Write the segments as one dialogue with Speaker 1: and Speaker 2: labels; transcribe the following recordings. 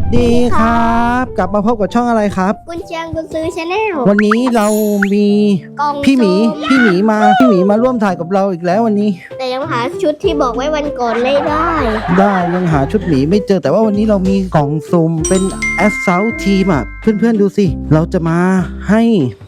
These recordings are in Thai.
Speaker 1: ดีครับกลับมาพบกับช่องอะไรครับ
Speaker 2: กุญเชียงกุญซื้อชาแนล
Speaker 1: วันนี้เรามีพี่หมีมาร่วมถ่ายกับเราอีกแล้ววันนี้
Speaker 2: แต่ยังหาชุดที่บอกไว้วันก่อนไม่ได้
Speaker 1: ยังหาชุดหมีไม่เจอแต่ว่าวันนี้เรามีกล่องซุ่มเป็น Assault Team อ่ะเพื่อนๆดูสิเราจะมาให้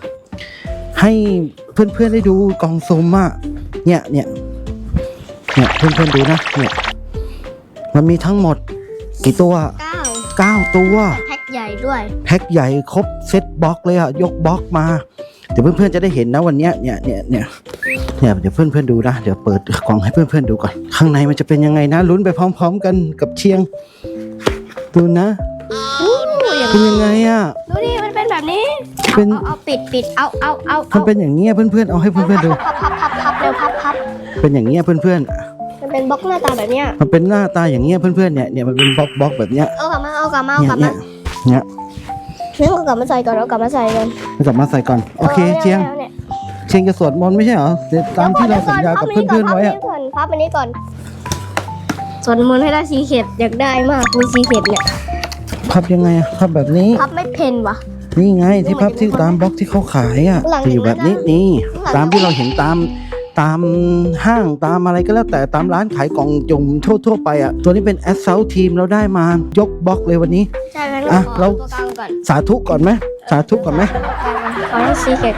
Speaker 1: เพื่อนๆได้ดูกล่องซุ่มอ่ะเนี่ยเพื่อนๆดูนะเนี่ยมันมีทั้งหมดกี่ตัว9ตัว
Speaker 2: แพ็คใหญ่ด้วย
Speaker 1: แพ็คใหญ่ครบเซตบล็อกเลยอ่ะยกบล็อกมาเดี๋ยวเพื่อนๆจะได้เห็นนะวันนี้เนี่ยเดี๋ยวเพื่อนๆดูนะเดี๋ยวเปิดกล่องให้เพื่อนๆดูก่อนข้างในมันจะเป็นยังไงนะลุ้นไปพร้อมๆกันกับเชียงดูนะเป็นยังไงอ่ะ
Speaker 2: ดูดิมันเป็นแบบนี้เอาปิดเอา
Speaker 1: มันเป็นอย่างเงี้ยเพื่อนๆเอาให้เพื่อนๆดู
Speaker 2: พับเร็วพับ
Speaker 1: เป็นอย่างเงี้ยเพื่อนๆ
Speaker 2: มันเป็นบล็อกหน้าตาแบบเนี้ย
Speaker 1: มันเป็นหน้าตาอย่างเงี้ยเพื่อนๆเนี่ยมันเป็นบล็อกแบบเนี้ย
Speaker 2: เอากลับมา
Speaker 1: เนี่ย
Speaker 2: เอากลับมาใส่ก่อน
Speaker 1: โอเคเชียงจะสวดมนต์ไม่ใช่เหรอตามที่เราสัญญากับเพื่อนๆไว้อะ
Speaker 2: พับอันนี้ก่อนสวดมนต์ให้ได้ซีเข็ดอยากได้มากมีซีเข็ดเนี่ย
Speaker 1: พับยังไงอะพับแบบนี้
Speaker 2: พับไม่เพนวะ
Speaker 1: นี่ไงที่พับที่ตามบล็อกที่เขาขายอ่ะอยู่แบบนี้นี่ตามที่เราเห็นตามห้างตามอะไรก็แล้วแต่ตามร้านขายกล่องจุ่มทั่วไปอ่ะตัวนี้เป็น Assault Team เราได้มายกบล็อกเลยวันนี้
Speaker 2: ใช่ไหมเรา
Speaker 1: สาธุก่อนไหมข
Speaker 2: อให้ซีเข็ด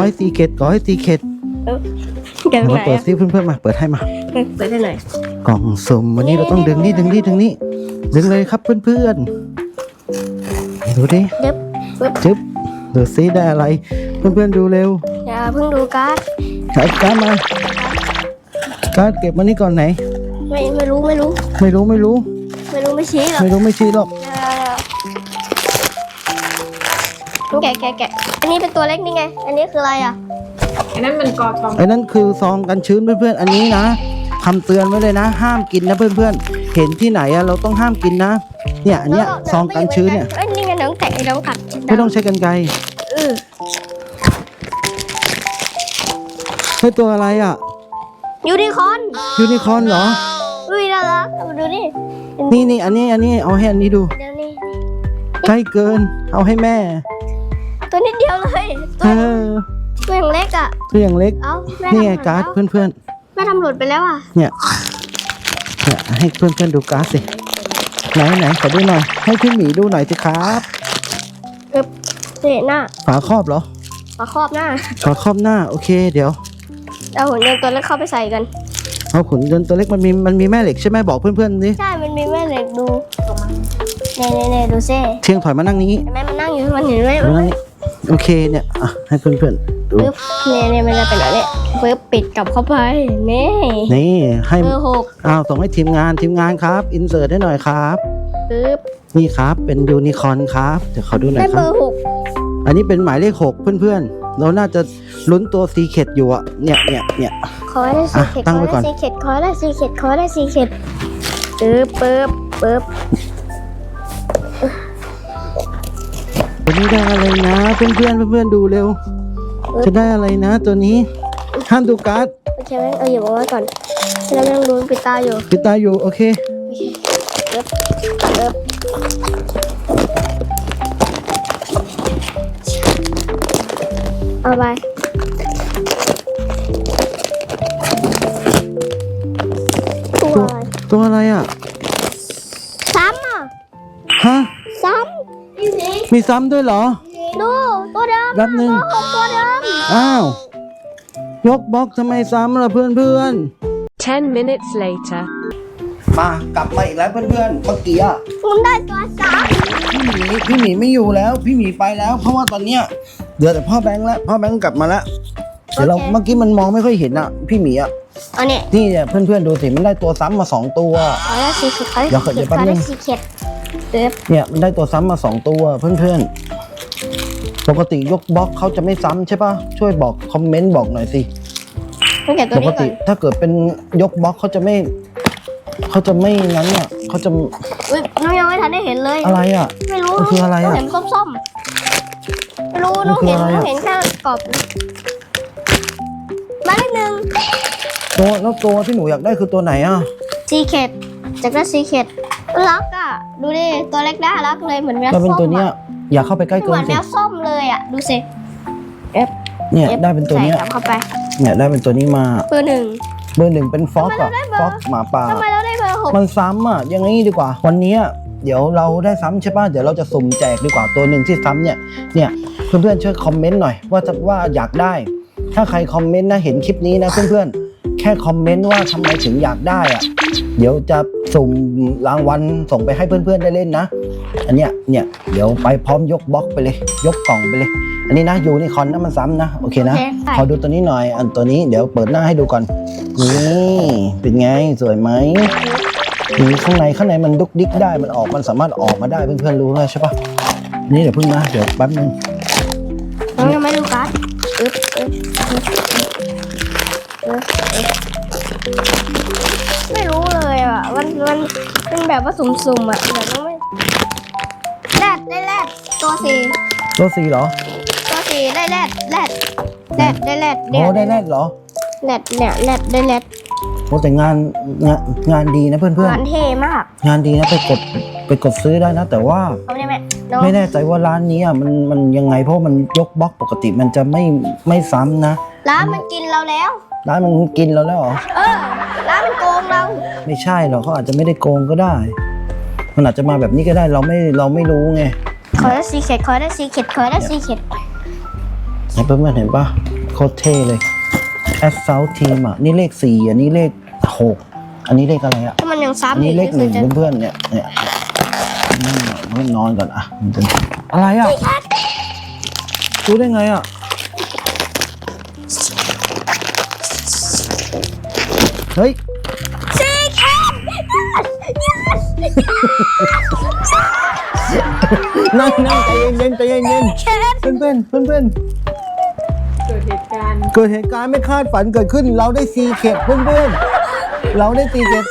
Speaker 1: มาเปิดซิเพื่อนๆมาเปิดให้มา
Speaker 2: เปิดให้หน่อย
Speaker 1: กล่องสุ่มวันนี้เราต้องดึงนี่ดึงเลยครับเพื่อนๆดูดิจึ๊บดูซิได้อะไรเพื่อนๆดูเร็ว
Speaker 2: อย่าเพิ่งดูการ์ด
Speaker 1: มาการ์ดเก็บมานี่ก่อนไหน
Speaker 2: ไม่รู้ไม่ชี้หรอกแกะอันนี้เป็นตัวเล็กนี่ไงอันนี้คืออะไรอ่ะ
Speaker 3: อันนั้นมันกอทอง
Speaker 1: อันนั้นคือซองกันชื้นเพื่อนๆอันนี้นะคำเตือนไว้เลยนะห้ามกินนะเพื่อนๆเห็นที่ไหนอะเราต้องห้ามกินนะเนี่ยอันเนี้ยซองกันชื้นเนี่ย
Speaker 2: นี่ไงน้องแกะน้องกัด
Speaker 1: ไม่ต้องใช้กรรไกรเฮ้ยตัวอะไรอ่ะ
Speaker 2: ยูนิคอร์
Speaker 1: นเหรอ
Speaker 2: อุ้ยน่ารักดูดิ
Speaker 1: นี่อันนี้เอาให้อันนี้ดู
Speaker 2: เดี๋ยวนี้
Speaker 1: ใกล้เกินเอาให้แม่
Speaker 2: ตัวนิดเดียวเลยตัวอย่างเล็กอ่ะ
Speaker 1: นี่ไงการ์ดเพื่อน
Speaker 2: แม่ทำหลุดไปแล้วอ่ะ
Speaker 1: เนี่ยให้เพื่อนดูการ์ดสิไหนขอดูหน่อยให้พี่หมีดูหน่อยสิครับ
Speaker 2: หน้า
Speaker 1: ฝาครอบเหรอ
Speaker 2: ฝาครอบห
Speaker 1: น้าโอเคเดี๋ยว
Speaker 2: เอาหุ่นยนต์ตัวเล็กเข้าไปใส่กัน
Speaker 1: เอาหุ่นยนต์ตัวเล็กมันมีแม่เหล็กใช่ไหมบอกเพื่อนๆดิ
Speaker 2: ใช่มันมีแม่เหล็กดูเนี่ยดูซิ
Speaker 1: เชียงถอยมานั่งนี้
Speaker 2: แม่มันนั่งอยู่มันเห็นไหม
Speaker 1: โอเคเนี่ยให้เพื่อนๆดู
Speaker 2: เนี่ยมันจะเป็นอะไรเนี่ยปิดกลับเข้าไป
Speaker 1: นี่ให้เบอร์ 6ส่งให้ทีมงานครับอินเสิร์ตให้หน่อยครับนี่ครับเป็นยูนิคอร์นครับเดี๋ยวขอดูหน่อยครับ
Speaker 2: เบอร์ 6
Speaker 1: อันนี้เป็นหมายเลข6เพื่อนๆเราน่าจะลุ้นตัวซีเค็ดอยู่อะเนี่ย
Speaker 2: ขอได้ซีเค็ด
Speaker 1: ตั้งไว้ก่อน
Speaker 2: ขอได้ซีเค็ดปึ๊บ
Speaker 1: ตัวนี้ได้อะไรนะเพื่อนดูเร็วจะได้อะไรนะตัวนี้ห้ามดูการ์ด
Speaker 2: โอเคไหมเอาอยู่ไว้ก่อนเรายังลุ้นปิดตาอยู่
Speaker 1: โอเค
Speaker 2: เอาไป
Speaker 1: ตัวอะไรอ่ะ
Speaker 2: ซ้ำอ่ะ
Speaker 1: ฮะ
Speaker 2: ซ้
Speaker 1: ำมีซ้ำด้วยเหรอ
Speaker 2: ดูตัวเดิม
Speaker 1: รับหนึ่ง
Speaker 2: ตัวเดิม
Speaker 1: อ้าวยกบล็อกทำไมซ้ำล่ะเพื่อน
Speaker 3: 10 minutes later
Speaker 1: มากลับมาอีกแล้วเพื่อนๆเมื่อกี้อ่ะ
Speaker 2: คุณได้ตัวซ้
Speaker 1: ำพี่หมีไม่อยู่แล้วพี่หมีไปแล้วเพราะว่าตอนเนี้ยเดี๋ยวแต่พ่อแบงค์กลับมาแล้วเดี๋ยวเราเมื่อกี้มันมองไม่ค่อยเห็นอ่ะพี่หมีอ่ะนี่เนี่ยเพื่อนๆดูสิมันได้ตัวซ้ำมา2ตัว
Speaker 2: แล้วซีเค็ด
Speaker 1: เนี่ยมันได้ตัวซ้ำมา2ตัวเพื่อนๆปกติยกบล็อกเขาจะไม่ซ้ำใช่ปะช่วยบอกคอมเมนต์บอกหน่อยสิปกติถ้าเกิดเป็นยกบล็อกเขาจะไม่งั้นเนี่ยเขาจะ
Speaker 2: น้องยังไม่ทันได้เห็นเลย
Speaker 1: อะไรอ่ะ
Speaker 2: ไม่รู้
Speaker 1: คืออะไรอ่ะ
Speaker 2: เห็นส้มๆไม่รู้น้องเห็นแค่กรอบมาเลขหนึ่ง
Speaker 1: ตัวที่หนูอยากได้คือตัวไหนอ่ะ
Speaker 2: ซีเค็ดจากนั้นซีเค็ดรักอ่ะดูดิตัวเล็กน่ารักเลยเหมือนแมว
Speaker 1: ได้เป็น
Speaker 2: ส้ม
Speaker 1: ตัวเนี้ย
Speaker 2: อะ
Speaker 1: อย่าเข้าไปใกล้
Speaker 2: เห
Speaker 1: เกิ
Speaker 2: มื
Speaker 1: น
Speaker 2: อนแม
Speaker 1: สิ
Speaker 2: วส้มเลยอ่ะดูสิ
Speaker 1: เนี่ยได้เป็นตัวเนี้ย
Speaker 2: ใส่กลับเข้าไป
Speaker 1: เนี่ยได้เป็นตัวนี้มา
Speaker 2: เบอร์หนึ่ง
Speaker 1: เบอร์หนึ่งเป็นฟ็อกอะ
Speaker 2: ทำไมเราได้เบอร์
Speaker 1: ฟ็อกหมาป่า
Speaker 2: ทำไมเราได้เบอร์ 6
Speaker 1: มันซ้ำอะอย่างนี้ดีกว่า วันนี้เดี๋ยวเราได้ซ้ำใช่ป่ะเดี๋ยวเราจะสุ่มแจกดีกว่าตัวหนึ่งที่ซ้ำเนี่ยเพื่อนๆช่วยคอมเมนต์หน่อยว่าอยากได้ ถ้าใครคอมเมนต์นะเห็นคลิปนี้นะเพื่อนๆแค่คอมเมนต์ว่าทำไมถึงอยากได้อะเดี๋ยวจะสุ่มรางวัลส่งไปให้เพื่อนๆได้เล่นนะอันเนี้ยเดี๋ยวไปพร้อมยกบล็อกไปเลย ยกกล่องไปเลย อันนี้นะยูนิคอร์นนะมันซ้ำนะโอเคนะ
Speaker 2: โอเค
Speaker 1: ขอดูตัวนี้หน่อยอันตัวนี้เดี๋ยวเปิดหน้าให้ดูก่อนนี่เป็นไงสวยไหมนี่ข้างในมันดุกดิกได้มันสามารถออกมาได้เพื่อนๆรู้แล้วใช่ปะนี่เดี๋ยวพึ่งนะเดี๋ยวแป๊บนึง
Speaker 2: เรายังไม่ดูการ์ดไม่รู้เลยอ่ะมันเป็นแบบว่าสุ่มๆอ่ะแบบว่าไม่แรดได้แรดตัวสี่
Speaker 1: ตัวสีเหรอ
Speaker 2: ตัวสี่ได้แรดได้แรด
Speaker 1: โอ้ได้แรกเหรอ
Speaker 2: แรดเนี่ยแรดได้แรด
Speaker 1: โอ้แต่งานดีนะเพื่อน
Speaker 2: งานเท่มาก
Speaker 1: ๆงานดีนะไปกดซื้อได้นะ แต่ว่า
Speaker 2: เขาไม่ได้ไหมน้อง
Speaker 1: ไม่แน่ใจว่าร้านนี้มันยังไงเพราะมันยกบล็อกปกติมันจะไม่ซ้ำนะ
Speaker 2: ร้านมันกินเราแล้ว
Speaker 1: ร้านมันกินเราแล้วเหรอ
Speaker 2: ร้านมันโกงเรา
Speaker 1: ไม่ใช่หรอกเขาอาจจะไม่ได้โกงก็ได้ มันอาจจะมาแบบนี้ก็ได้เราไม่รู้ไง
Speaker 2: ขอได้ซีเค็ดขอได้ซีเค็ดขอได้ซีเค็ด
Speaker 1: เห็นเพื่อนๆเห็นปะโคตรเท่เลย Assault Team อ่ะนี่เลข4อันนี้เลข6อันนี้เลขอะไรอ่ะ
Speaker 2: ถ้ามันยัง
Speaker 1: อัน
Speaker 2: ซ้ำ
Speaker 1: นี้
Speaker 2: อีก
Speaker 1: เลข
Speaker 2: ก็คือจะ
Speaker 1: 1เพื่อนๆเนี่ยมันนอนก่อนอ่ะมันจะอะไรอ่ะรู้ได้ไงอ่ะเฮ้ย
Speaker 2: ซีเค็ด
Speaker 1: นั่งใจเย็นเพื่อน
Speaker 3: เกิดเหตุการณ์
Speaker 1: เกิดเหตุการณ์ไม่คาดฝันเกิดขึ้นเราได้ซีเค็ดเพื่อนเราได้ซีเค็ด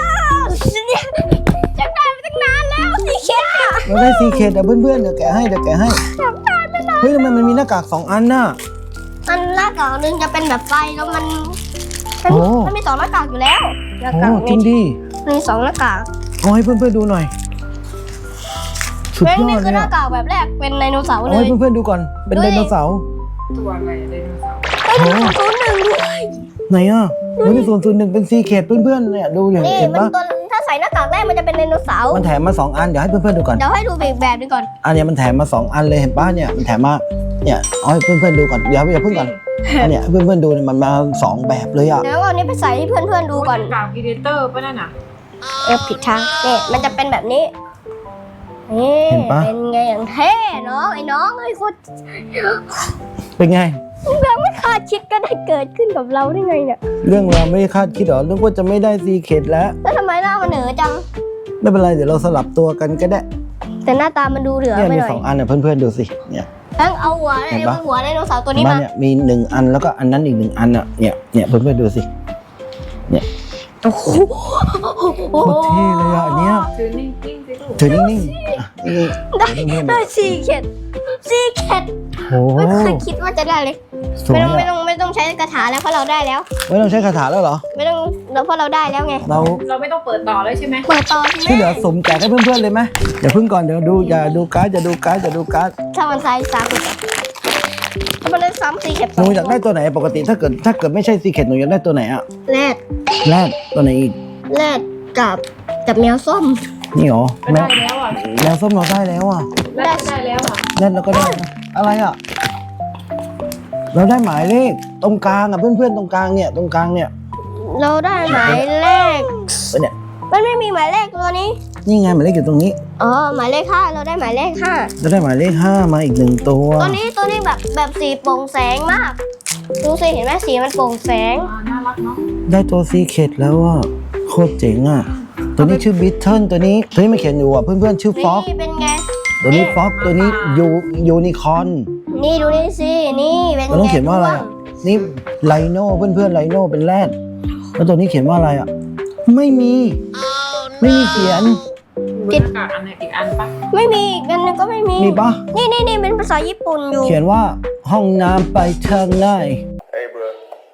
Speaker 2: จะได้มาตั้งนานแล้วซีเค็ดอ่ะ
Speaker 1: เราได้ซีเค็ดเพื่อนเดี๋ยวแกะให้เฮ้ยทำไมมันมีหน้ากาก2 อันน่ะ
Speaker 2: อันหน้ากากหนึ่งจะเป็นแบบไฟแล้วมัน
Speaker 1: โอ้
Speaker 2: มันมี2หน้ากากอยู่แล้วหน้า
Speaker 1: โอ้
Speaker 2: กาก
Speaker 1: จริงดิ
Speaker 2: มี2หน้ากาก
Speaker 1: เอาให้เพื่อนๆดูหน่อยสุดยอ
Speaker 2: นี่
Speaker 1: ดเล
Speaker 2: คือย หน้า
Speaker 1: อ่ะ
Speaker 2: กากแบบแรกเป็นไดโนเสาร์เล
Speaker 1: เอาให้
Speaker 2: ย
Speaker 1: เพื่อนๆดูก่อนเป็นไดโนเสาร์
Speaker 3: ตัวอะไรไดโนเสาร์
Speaker 2: ไดโนเสาร์1ด้วย
Speaker 1: ไหนอ่ะมันมี001เป็นซีเค็ดเพื่อนๆเนี่ยดูอย่าง
Speaker 2: นี่
Speaker 1: เห็น
Speaker 2: มัน
Speaker 1: ปะ
Speaker 2: ตัวถ้าใส่หน้ากากได้มันจะเป็นไดโนเสาร์
Speaker 1: มันแถมมา2 อันเดี๋ยวให้เพื่อนๆดูก่อน
Speaker 2: เดี๋ยวให้ดูอีกแบบหนึงก่อน
Speaker 1: อันเนี้ยมันแถมมา2 อันเลยเห็นปะเนี่ยมันแถมมาเนี่ยเอาให้เพื่อนๆดูก่อนอย่าเพิ่งก่อนอันเนี้ยเพื่อนๆดูเนี่ยมันมา2 แบบเลยอ่ะ
Speaker 2: เดี๋ยวเอาอันนี้ไปใส่ให้เพื่อนๆดูก่อน
Speaker 3: กากพีเดเตอร์ป่ะนั่นน่ะ
Speaker 2: ผิดทางนี่มันจะเป็นแบบนี้นี่
Speaker 1: เห็นปะ
Speaker 2: เป็นไงอย่างเท่น้องไอ้น้องไอ้คน
Speaker 1: เป็นไง
Speaker 2: เราไม่คาดคิดก็ได้เกิดขึ้นกับเราได้ไงเนี่ย
Speaker 1: เรื่องเราไม่ได้คาดคิดหรอเรื่องว่าจะไม่ได้ซีเค็ดแล้ว
Speaker 2: แล้วทำไมหน้ามันเหนือจัง
Speaker 1: ไม่เป็นไรเดี๋ยวเราสลับตัวกันก็ได้
Speaker 2: แต่หน้าตามันดูเหลือ
Speaker 1: เนี่ย
Speaker 2: ไป
Speaker 1: มี
Speaker 2: หน่อย
Speaker 1: 2 อันเนี่ยเพื่อนๆดูสิเนี่ย
Speaker 2: ทั้งเอาหัว
Speaker 1: เห็นปะ
Speaker 2: หัวไดโนเสาร์ตัว
Speaker 1: เห็น
Speaker 2: นี้
Speaker 1: ปะ
Speaker 2: มา
Speaker 1: เนี่ยมี1 อันแล้วก็อันนั้นอีก1 อันอ่ะเนี่ยเพื่อนๆดูสิ
Speaker 2: โอ้โห
Speaker 1: โคตรเท่เลยอ่ะอันเนี้ย
Speaker 3: ถือนิ่งๆสิลูก
Speaker 1: ถือนิ่งๆอ่ะนี่
Speaker 2: ได้
Speaker 1: เพื่อนๆ
Speaker 2: ได้ซีเค็ดซีเค็ด
Speaker 1: โอ้โห
Speaker 2: ไม่เคยคิดว่าจะได้เลย
Speaker 1: สวย
Speaker 2: ไม่
Speaker 1: อ่ะ
Speaker 2: ต้องใช้คาถาแล้วเพราะเราได้แล้ว
Speaker 1: ไม่ต้องใช้คาถาแล้วเหรอ
Speaker 2: ไม่ต้องเพราะเราได้แล้วไง
Speaker 1: เรา
Speaker 3: เราไม่ต้องเปิดต่อเลยใช่ไหม
Speaker 2: เปิดต่อใช่
Speaker 1: ที่
Speaker 2: ไห
Speaker 1: เหลื
Speaker 2: ม
Speaker 1: อสุ่มแจกให้เพื่อนๆเลยไหมอย่าเพิ่งก่อนเดี๋ยวดูอย่าดูการ์ด
Speaker 2: ถ้ามันใส่สามสิบถ้ามันได้ซ้ำซีเค็ด
Speaker 1: หนูอยากได้ตัวไหนปกติถ้าเกิดไม่ใช่ซีเค็ดหนูอยากได้ตัวไหนอ่ะ
Speaker 2: แรด
Speaker 1: แรดตัวไหนอีก
Speaker 2: แรดกับแมวส้ม
Speaker 1: นี่หรอ
Speaker 3: ก็
Speaker 1: แม
Speaker 3: ได้
Speaker 1: ว
Speaker 3: แล้วอ่ะ
Speaker 1: แมวส้มเราได้แล้วอ่ะ
Speaker 3: แล้วได้แล้วอ่ะ
Speaker 1: แรดเราก็ได้นะอะไรอ่ะเราได้หมายเลขตรงกลางอ่ะเพื่อนๆตรงกลางเนี่ย
Speaker 2: เราได้หมายเลข
Speaker 1: เนี่ย
Speaker 2: มันไม่มีหมายเลขตัวนี้
Speaker 1: นี่ไงหมายเลขอยู่ตรงนี้
Speaker 2: อ๋อหมายเลขห้าเราได้หมายเลขห้า
Speaker 1: เราได้หมายเลข5มาอีก1 ตัว
Speaker 2: ตัวนี้แบบสีโปร่งแสงมากดูสิเห็นไหมสีมันโปร่งแสง
Speaker 3: น่ารักเนาะ
Speaker 1: ได้ตัวซีเค็ดแล้วอ่ะโคตรเจ๋งอ่ะตัวนี้ชื่อบิทเทิลตัวนี้มันเขียนอยู่อ่ะเพื่อนๆชื่อฟ็อก
Speaker 2: นี่เป็นไง
Speaker 1: ตัวนี้ฟ็อกตัวนี้ยูนิคอร์น
Speaker 2: นี่ดูนี่สินี่เป็น
Speaker 1: เราต้องเขียนว่าอะไรอ่ะนี่ไลโน่เพื่อนๆไลโน่เป็นแรดแล้วตัวนี้เขียนว่าอะไรอ่ะไม่มีเขียน
Speaker 3: มีหน้ากากอันไหนอีกอันปะ
Speaker 2: ไม่มีอีกอันนึงก็ไม่มี
Speaker 1: มีปะ
Speaker 2: นี่เป็นภาษาญี่ปุ่นอยู่
Speaker 1: เขียนว่าห้องน้ำไปทางไหน
Speaker 4: Hey, bro.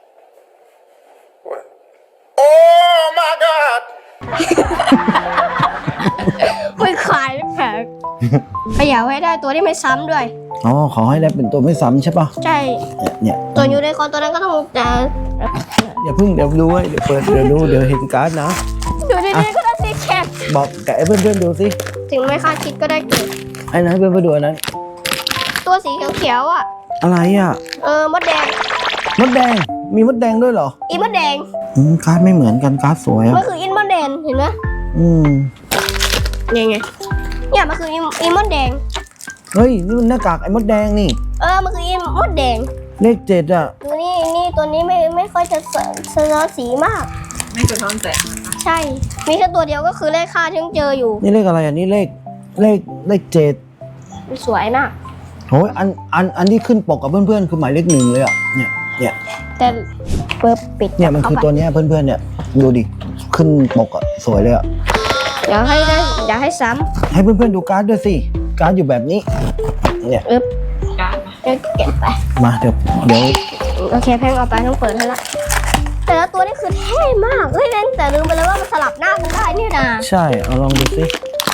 Speaker 4: What? Oh my God!
Speaker 2: ไม่ขขยับให้ได้ตัวที่ไม่ซ้ำด้วย
Speaker 1: อ๋อขอให้ได้เป็นตัวไม่ซ้ำใช่ปะ
Speaker 2: ใช่
Speaker 1: เนี่ย
Speaker 2: ตัวยูนิคอร์นตัวนั้นก็ต้องจะ
Speaker 1: อย่าเพิ่งเดี๋ยวดูไว้เดี๋ยวเปิดเดี๋ยวดูเดี๋ยวเห็นการ์ดนะ
Speaker 2: อยู่ดีๆก็ได้ซีเคท
Speaker 1: บอกแกะให้เพื่อนๆดูสิ
Speaker 2: ถึงไม่คาดคิดก็ได้เกิด
Speaker 1: ไอ้นั้นให้เพื่อนๆดูอันนั้น
Speaker 2: ตัวสีเขียวๆอ่ะ
Speaker 1: อะไรอ่ะ
Speaker 2: มดแดง
Speaker 1: มดแดงมีมดแดงด้วยเหรอ
Speaker 2: อีมดแดง
Speaker 1: การ์ดไม่เหมือนกันการ์ดสวยอ่ะ
Speaker 2: มันคืออินมดแดงเห็นไหม
Speaker 1: อืม
Speaker 2: ยังไงเนี่ยมันคืออีมดแดง
Speaker 1: เฮ้ยนี่มันหน้ากากไอ้มดแดงนี่
Speaker 2: มันคืออีมดแดง
Speaker 1: เลข7อ่ะ
Speaker 2: ตัวนี้ตัวนี้ไม่ค่อยจะสะท้อนสีมาก
Speaker 3: ไม่สะท้อนแสง
Speaker 2: ใช่ มีแค่ตัวเดียวก็คือเลขค่าที่ต้องเจออยู่
Speaker 1: นี่เลขอะไรอ่ะนี่เลข7
Speaker 2: มันสวยนะ
Speaker 1: โอ้ยอันที่ขึ้นปกกับเพื่อนๆคือหมายเลข1เลยอ่ะเนี่ย
Speaker 2: แต่เปิดปิด
Speaker 1: เนี่ยมันคือตัวเนี้ยเพื่อนๆเนี่ยดูดิขึ้นปกอ่ะสวยเลยอ่ะ
Speaker 2: อยากให้ซ้
Speaker 1: ให้เพื่อนๆดูการ์ดด้วยสิการ์ดอยู่แบบนี้เนี่ย
Speaker 2: ำ
Speaker 3: การ์ดมา
Speaker 2: เก็บไป
Speaker 1: มาเดี๋ยว
Speaker 2: โอเคแพงเอาไปต้องเปิดให้ละแต่ละตัวนี่คือเท่มากเล่นแต่ลืมไปเลยว่ามันสลับหน้ากันได้นี่นะ
Speaker 1: ใช่เอาลองดูสิ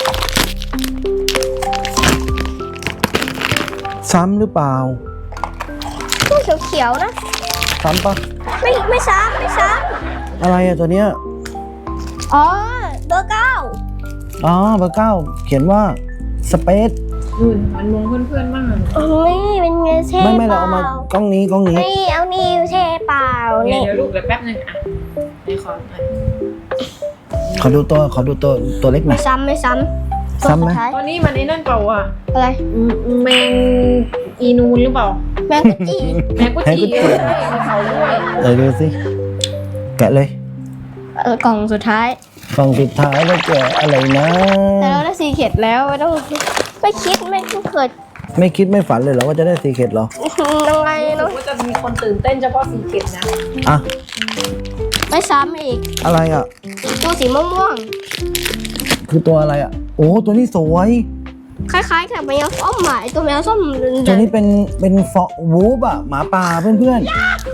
Speaker 1: ซ้ำหรือเปล่า
Speaker 2: ตัวเขียวๆนะ
Speaker 1: ซ้ำปะ
Speaker 2: ไม่ซ้ำ
Speaker 1: อะไรอะตัวเนี้ย
Speaker 2: อ๋อเบอร์ 9
Speaker 1: อ๋อเบอร์ 9เขียนว่าสเปซ
Speaker 3: มันมองเพื่อนๆบ้าง
Speaker 2: เฮ้ยเป็นไงเท่
Speaker 1: ไม่
Speaker 2: เป
Speaker 1: เรา
Speaker 2: ล่า
Speaker 1: เอามากล้องนี้
Speaker 2: ไม่เอานี่เท่เปล่า
Speaker 3: เดี๋
Speaker 2: นี่
Speaker 3: ยวลูกเดี๋ยวแป๊บนึงอ่ะในคอน
Speaker 1: ขอดูตัวเล็กหน่
Speaker 2: ไม่
Speaker 1: อย
Speaker 2: ซ้ำตัว
Speaker 1: ซ้ำไหม
Speaker 2: สุดท้าย
Speaker 3: ตอนนี้มันไอ้นั่นเปล่าอ่ะ
Speaker 2: อะไร
Speaker 3: แมงอีนูนหรือเปล่า
Speaker 2: แมงกะจี้
Speaker 3: แมงกุจีใช่มีเขาด้วย
Speaker 1: เดี๋ยวดูสิแกะเลย
Speaker 2: กล่องสุดท้าย
Speaker 1: กล่องสุดท้ายแล้วแกะอะไรนะ
Speaker 2: แต่เราได้ซีเข็ดแล้วไม่ต้องไม่คิดไม่เกิด
Speaker 1: ไม่คิดไม่ฝันเลยเหรอว่าจะได้ซีเคร็ตเหรอ
Speaker 2: อะไร
Speaker 3: รู้
Speaker 2: เนาะ
Speaker 3: ว่าจะมีคนตื่นเต้นเฉพาะสีเข็ดนะ
Speaker 1: อ่ะ
Speaker 2: ไม่ซ้ำอีก
Speaker 1: อะไรอ่ะ
Speaker 2: ตัวสีม่วง
Speaker 1: คือตัวอะไรอ่ะโอ้ตัวนี้สวย
Speaker 2: ๆคล้ายๆกับแมวส้มหมายตัวแมวส้ม
Speaker 1: ตัวนี้เป็นฟอวูฟอ่ะหมาป่าเพื่อน
Speaker 2: เป็น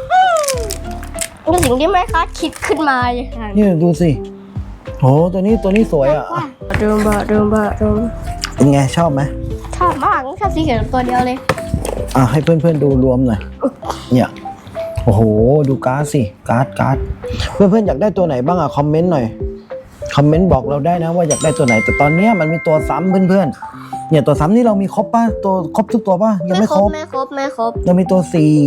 Speaker 2: สิ่งที่ไม่คาดคิดขึ้นมาเลยค่ะ
Speaker 1: ๆนี่ดูสิโหตัวนี้สวยอ่ะ
Speaker 2: ดูม
Speaker 1: เป็นไงชอบไหม
Speaker 2: ชอบมากชอบซีเข็ดตัวเดียวเลย
Speaker 1: อ่ะให้เพื่อนๆดูรวมหน่อยเนี่ยโอ้โหดูการ์ดสิการ์ดเพื่อนๆอยากได้ตัวไหนบ้างอ่ะคอมเมนต์หน่อยคอมเมนต์บอกเราได้นะว่าอยากได้ตัวไหนแต่ตอนเนี้ยมันมีตัวซ้ำเพื่อนๆเนี่ยตัวซ้ำนี่เรามีครบป่ะตัวครบทุกตัวป่ะยังไม่ครบ
Speaker 2: ไม่ครบ
Speaker 1: เรามีตัว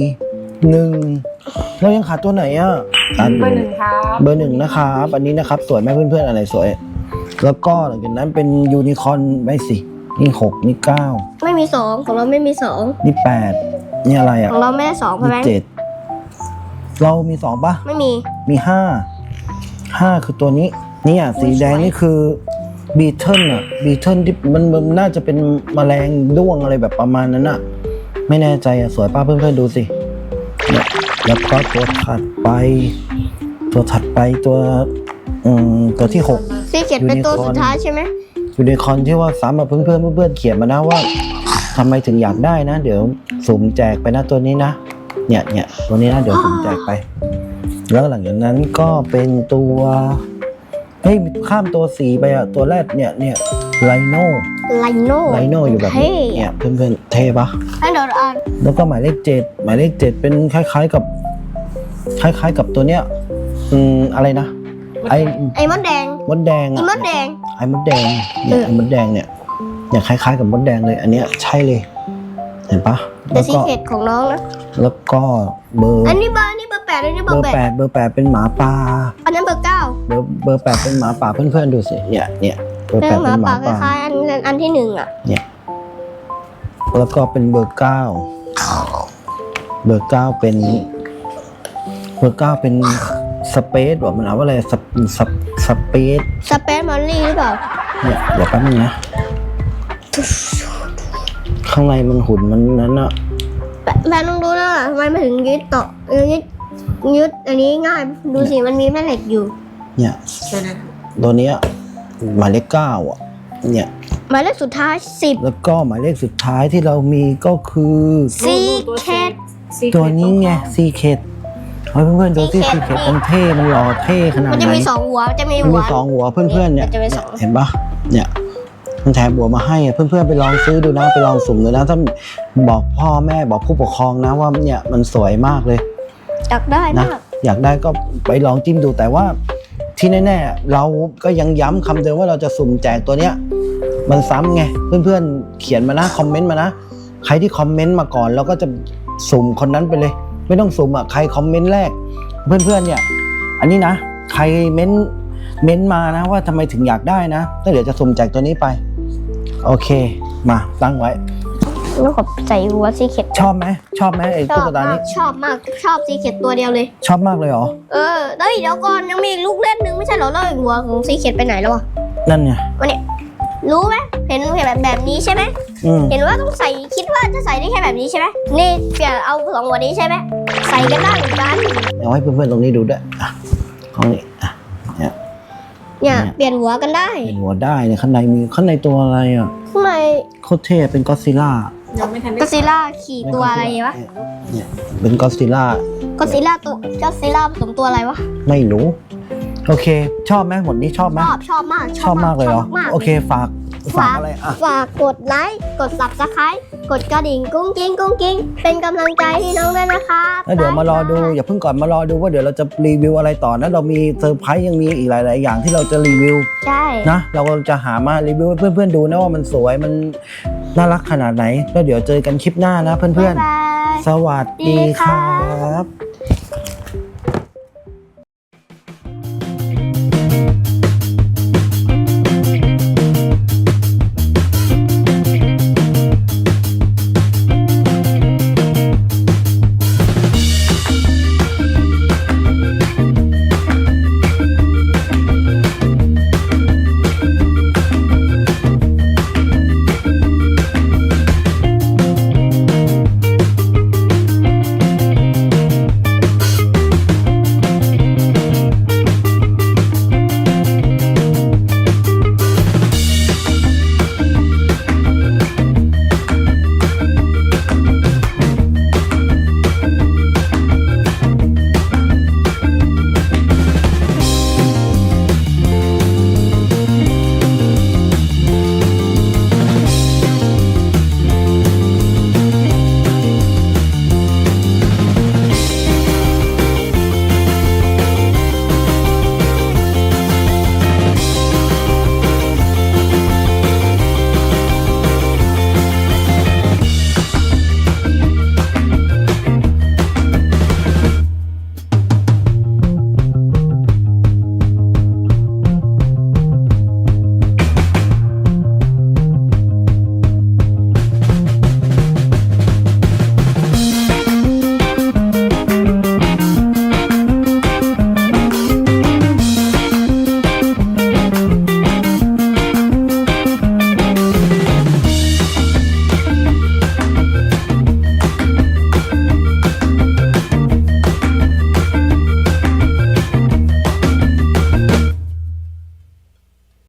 Speaker 1: 1เรายังขาดตัวไหนอ่ะ
Speaker 3: เบอร์ 1ครับ
Speaker 1: เบอร์ 1นะครับอันนี้นะครับสวยไหมเพื่อนๆอะไรสวย แล้วก็หลังจากนั้นเป็นยูนิคอร์นไม่สินี่6นี่9
Speaker 2: ไม่มี2ของเราไม่มี2
Speaker 1: นี่8นี่อะไรอ่ะ
Speaker 2: ของเราไม่ได้2ใช่ไหม
Speaker 1: นี่7เรามี2ป่ะ
Speaker 2: ไม่มี
Speaker 1: มี5คือตัวนี้เนี่ยสีแดงนี่คือบีเทิลอ่ะบีเทิลที่มันน่าจะเป็นแมลงด้วงอะไรแบบประมาณนั้นอ่ะไม่แน่ใจอ่ะสวยป้าเพื่อนๆดูสิเนี่ยแล้วก็ตัวถัดไปตัวที่6
Speaker 2: ซีเข็ดเป็นตัวสุดท้ายใช่ไหม
Speaker 1: ยูนิคอร์นที่ว่าซ้ำมาเพื่อนเขียนมานะว่าทำไมถึงอยากได้นะ เดี๋ยวสุ่มแจกไปนะตัวนี้นะเนี่ยตัวนี้นะเดี๋ยวสุ่มแจกไป แล้วหลังจากนั้นก็เป็นตัวเฮ้ยข้ามตัวสีไปอะตัวแรกเนี่ยไลโน่
Speaker 2: ไลโน่
Speaker 1: อยู่แบบนี้เนี่ยเพื่อนเท่ปะ
Speaker 2: ให้เดี๋ยวอ่าน
Speaker 1: แล้วก็หมายเลข7เป็นคล้ายๆกับตัวเนี้ยอะไรนะ
Speaker 2: ไอ้มดแดง
Speaker 1: มดแดง
Speaker 2: ไอ้
Speaker 1: อะ
Speaker 2: มดแดง
Speaker 1: ไอ้มดแดงเนี่ยไอ้มดแดงเนี่ยคล้ายๆกับมดแดงเลยอันเนี้ยใช่เลยเห็นปะ
Speaker 2: แต่ซีเข็ดของน้องนะ
Speaker 1: แล้วก็เบอร์
Speaker 2: อันนี้เบอร์8อันนี้เบอร์
Speaker 1: เบอร์ 8เป็นหมาป่า
Speaker 2: 8อันนั้นเบอร์ 9
Speaker 1: เบอร์ 8เป็นหมาป่าเพื่อนๆดูสิเนี่ยเบอร์ 8
Speaker 2: เป็นห
Speaker 1: เป็
Speaker 2: มาน
Speaker 1: ห
Speaker 2: ป่า
Speaker 1: มา
Speaker 2: ค
Speaker 1: ป่า
Speaker 2: ล้ายๆอันที่1อ่ะ
Speaker 1: เนี่ยแล้วก็เป็นเบอร์ 9เบอร์ 9เป็นสเปซว่ะมันเอาว่าอะไรสเปซ
Speaker 2: สเปซมอลลี่หรือเปล่า
Speaker 1: เนี่ยเดี๋ยวแป๊บนึงนะข้างในมันหุ่นมันนั้นอะ
Speaker 2: แม่ต้องดูนะทำไมไม่ถึงยึดต่อยึดอันนี้ง่ายดูสิมันมีแม่เหล็กอยู่
Speaker 1: เนี่ย ตัวเนี้ยหมายเลข 9อ่ะเนี่ย
Speaker 2: หมายเลขสุดท้าย10
Speaker 1: แล้วก็หมายเลขสุดท้ายที่เรามีก็คือ
Speaker 2: ซีเข็ด
Speaker 1: ตัวนี้ไงซีเคทเฮ้ยเพื่อนๆดูที่ซีเคทมันเท่มันหล่อเท่ขนาด
Speaker 2: มัน
Speaker 1: ไห
Speaker 2: จะ
Speaker 1: น
Speaker 2: มี2หัวจะมี
Speaker 1: มัน
Speaker 2: หัว
Speaker 1: มี2 หัวเพื่อนๆเนี่ย
Speaker 2: มันจะมีสอง
Speaker 1: เห็นปะเนี่ยมันแถมบัวมาให้อะเพื่อนๆไปลองซื้อดูนะไปลองสุ่มดูนะถ้าบอกพ่อแม่บอกผู้ปกครองนะว่าเนี่ยมันสวยมากเลย
Speaker 2: อยากได้
Speaker 1: นะ
Speaker 2: มาก
Speaker 1: อยากได้ก็ไปลองจิ้มดูแต่ว่าที่แน่ๆเราก็ยังย้ำคำเดิมว่าเราจะสุ่มแจกตัวเนี้ยมันซ้ำไงเพื่อนๆเขียนมานะคอมเมนต์มานะใครที่คอมเมนต์มาก่อนเราก็จะสุ่มคนนั้นไปเลยไม่ต้องสุ่มอ่ะใครคอมเมนต์แรกเพื่อนๆเนี่ยอันนี้นะใครเม้นมานะว่าทำไมถึงอยากได้นะแล้วเดี๋ยวจะสุ่มแจกตัวนี้ไปโอเคมาตั้งไว้
Speaker 2: แล้วก็ใส่หัวซีเค็ด
Speaker 1: ชอบไหมไอ้
Speaker 2: ช
Speaker 1: ตุ๊
Speaker 2: อบ
Speaker 1: กตาม
Speaker 2: าก
Speaker 1: นี้
Speaker 2: ชอบมากชอบซีเค็ดตัวเดียวเลย
Speaker 1: ชอบมากเลยเหรอ
Speaker 2: เดี๋ยวก่อนยังมีอีกลูกเล่นนึงไม่ใช่เหรอแล้วอีกหัวของซีเค็ดไปไหนแล้วอ่ะ
Speaker 1: นั่นไง
Speaker 2: วันนี้รู้ไหมเห็นแบบนี้ใช่ไหม เห็นว่าต้องใส่คิดว่าจะใส่ได้แค่แบบนี้ใช่ไหมนี่เปลี่ยนเอาสองหัวนี้ใช่ไหมใส่กันได้เหมือนกัน
Speaker 1: เอาให้เพื่อนๆตรงนี้ดูด้วยอ่ะของนี้อ่ะ
Speaker 2: เนี่ยเปลี่ยนหัวกันได้
Speaker 1: เป็นหัวได้เนี่ยข้างในตัวอะไรอ่ะ
Speaker 2: ข้างใน
Speaker 1: โคตรเท่เป็นก็อดซิลล่า
Speaker 3: ยังไม่ทันได้
Speaker 2: ก็อดซิลล่าขี่ตัวอะไรวะ
Speaker 1: เนี่ยเป็นก็อดซิลล่า
Speaker 2: ก็อดซิลล่าตัวก็อดซิลล่าผสมตัวอะไรวะ
Speaker 1: ไม่รู้โอเค ชอบไหมหมดนี้ชอบไหม
Speaker 2: ชอบมาก
Speaker 1: ชอบมากเลยเหรอ
Speaker 2: ชบมาก
Speaker 1: โอเคฝากอะไรอ่ะ
Speaker 2: ฝากกดไลค์กด Subscribe กดกระดิ่งกุ้งกิ้งเป็นกำลังใจให้น้องด้วยนะคะ
Speaker 1: แล้วเดี๋ยวมารอดูอย่าเพิ่งก่อนมารอดูว่าเดี๋ยวเราจะรีวิวอะไรต่อนะเรามีเซอร์ไพรส์ยังมีอีกหลาย ๆ อย่างที่เราจะรีวิว
Speaker 2: ใช่
Speaker 1: นะเราจะหามารีวิวให้เพื่อนๆดูนะว่ามันสวยมันน่ารักขนาดไหนแล้วเดี๋ยวเจอกันคลิปหน้านะเพื่อน
Speaker 2: บ๊ายบาย
Speaker 1: ๆสวัสดีครับ